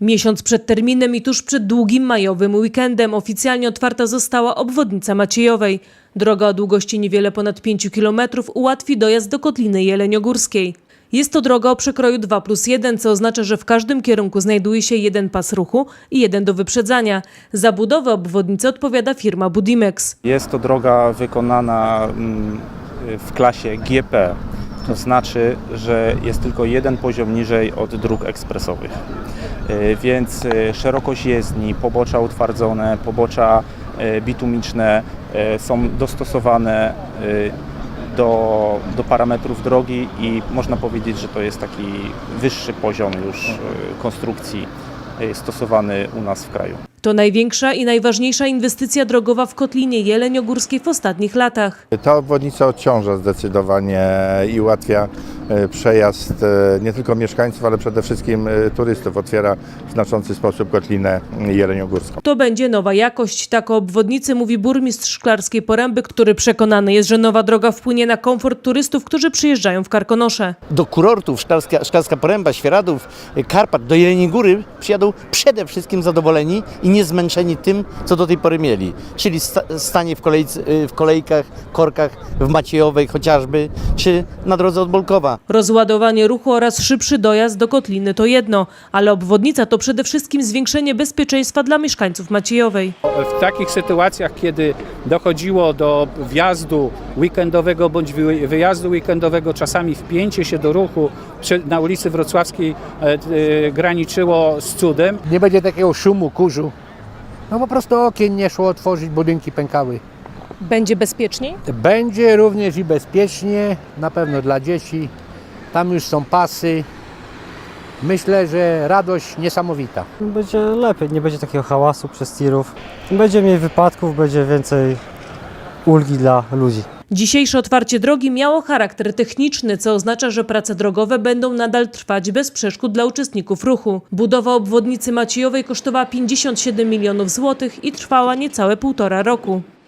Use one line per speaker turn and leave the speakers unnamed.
Miesiąc przed terminem i tuż przed długim majowym weekendem oficjalnie otwarta została obwodnica Maciejowej. Droga o długości niewiele ponad 5 km ułatwi dojazd do Kotliny Jeleniogórskiej. Jest to droga o przekroju 2+1, co oznacza, że w każdym kierunku znajduje się jeden pas ruchu i jeden do wyprzedzania. Za budowę obwodnicy odpowiada firma Budimex.
Jest to droga wykonana w klasie GP. To znaczy, że jest tylko jeden poziom niżej od dróg ekspresowych. Więc szerokość jezdni, pobocza utwardzone, pobocza bitumiczne są dostosowane do parametrów drogi i można powiedzieć, że to jest taki wyższy poziom już konstrukcji stosowany u nas w kraju.
To największa i najważniejsza inwestycja drogowa w Kotlinie Jeleniogórskiej w ostatnich latach.
Ta obwodnica odciąża zdecydowanie i ułatwia przejazd nie tylko mieszkańców, ale przede wszystkim turystów. Otwiera w znaczący sposób Kotlinę Jeleniogórską.
To będzie nowa jakość. Tak o obwodnicy mówi burmistrz Szklarskiej Poręby, który przekonany jest, że nowa droga wpłynie na komfort turystów, którzy przyjeżdżają w Karkonosze.
Do kurortów Szklarska Poręba, Świeradów, Karpat, do Jeleniej Góry przyjadą przede wszystkim zadowoleni i nie zmęczeni tym, co do tej pory mieli. Czyli stanie w kolejkach, korkach w Maciejowej chociażby, czy na drodze od Bolkowa.
Rozładowanie ruchu oraz szybszy dojazd do Kotliny to jedno, ale obwodnica to przede wszystkim zwiększenie bezpieczeństwa dla mieszkańców Maciejowej.
W takich sytuacjach, kiedy dochodziło do wjazdu weekendowego bądź wyjazdu weekendowego, czasami wpięcie się do ruchu na ulicy Wrocławskiej graniczyło z cudem.
Nie będzie takiego szumu, kurzu. No po prostu okien nie szło otworzyć, budynki pękały.
Będzie bezpieczniej?
Będzie również i bezpiecznie, na pewno dla dzieci. Tam już są pasy. Myślę, że radość niesamowita.
Będzie lepiej, nie będzie takiego hałasu przez tirów. Będzie mniej wypadków, będzie więcej ulgi dla ludzi.
Dzisiejsze otwarcie drogi miało charakter techniczny, co oznacza, że prace drogowe będą nadal trwać bez przeszkód dla uczestników ruchu. Budowa obwodnicy Maciejowej kosztowała 57 milionów złotych i trwała niecałe 1,5 roku.